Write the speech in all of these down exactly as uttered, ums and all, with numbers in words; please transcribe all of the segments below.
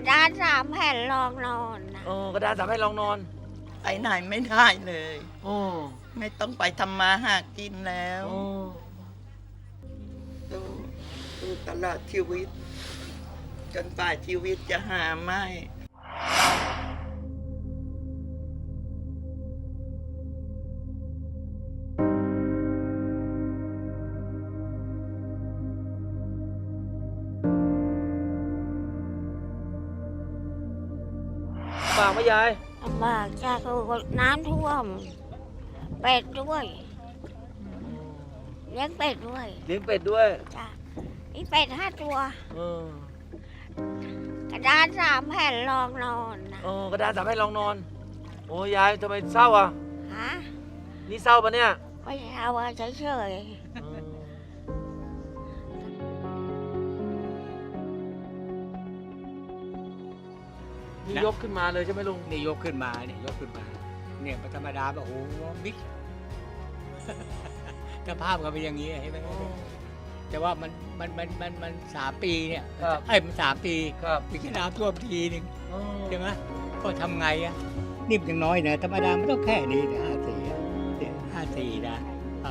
ดานสามแผ่นรองนอนนะเออกระดานสามให้ลองนอนไปไหนไม่ได้เลยโอ้ไม่ต้องไปทำมาหากินแล้วโอ้ดูดูตลอดชีวิต จนป่าชีวิตจะหาไม่ฝากไหมยายลำบากจ้าคือน้ำท่วม เป็ดด้วยเลี้ยงเป็ดด้วยเลี้ยงเป็ดด้วยจ้ามีเป็ดห้าตัวเออกระดานสามแผ่นรองนอนนะเออกระดานสามให้ลองนอน โอ้ยายทำไมเศร้าอ่ะฮะนี่เศร้าปะเนี่ยไม่ใช่เอาไว้เฉยเออนี่ยกขึ้นมาเลยใช่ไหมลุงนี่ยกขึ้นมาเนี่ยยกขึ้นมา เนี่ยมันธรรมดาแบบโอ้โหบิ๊ก สภาพก็เป็นอย่างนี้เห็นไหมแต่ว่ามันมันมันมันมันสามปีเนี่ยครับไอ้ยมันสามปีครับปีแค่น้ำท่วมทีหนึ่งเออใช่ไหมก็ทำไงอ่ะนี่มันยังน้อยนะธรรมดามันต้องแค่นี้นะห้าสี่เนี่ยห้าสี่นะอ๋อ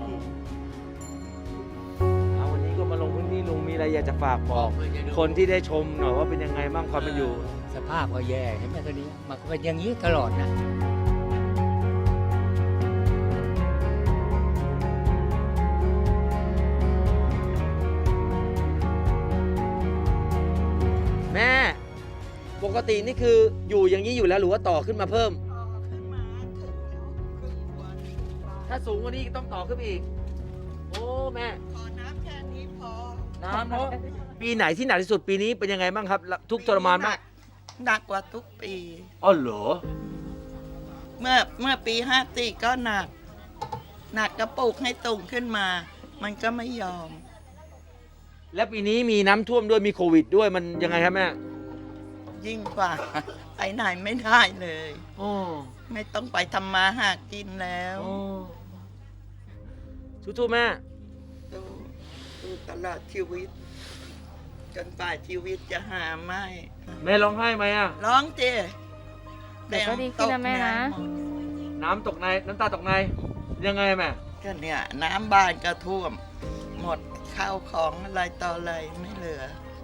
เอาวันนี้ก็มาลงพื้นที่ลุงมีอะไรอยากจะฝากบอก คนที่ได้ชมหน่อยว่าเป็นยังไงบ้างความเป็นอยู่สภาพก็แย่เห็นไหมตัวนี้มันก็เป็นอย่างนี้ตลอดนะแม่ ปกตินี่คืออยู่อย่างนี้อยู่แล้วหรือว่าต่อขึ้นมาเพิ่ม ถ้าสูงกว่านี้ต้องต่อขึ้นไปอีก โอ้แม่ขอน้ำแค่นี้พอน้ำเนาะ ปีไหนที่หนักที่สุดปีนี้เป็นยังไงบ้างครับ ทุกข์ทรมานมากหนักกว่าทุกปีอ๋อเหรอเมื่อเมื่อปีห้าสี่ก็หนัก หนักกระปุกให้ตุ่งขึ้นมา มันก็ไม่ยอมและปีนี้มีน้ำท่วมด้วยมีโควิดด้วยมันยังไงครับแม่ยิ่งกว่า ไปไหนไม่ได้เลยโอ้ไม่ต้องไปทำมาหากินแล้วโอ้สู้ๆแม่ดูดูตลอดชีวิต จนป่าชีวิตจะหาไม่แม่ร้องไห้ไหมอ่ะร้องเจเดี๋ยวก็ดีขึ้นนะแม่นะน้ำตกในน้ำตาตกในยังไงแม่ก็เนี่ย น้ำบานก็ท่วม หมดข้าวของอะไรต่ออะไรไม่เหลือ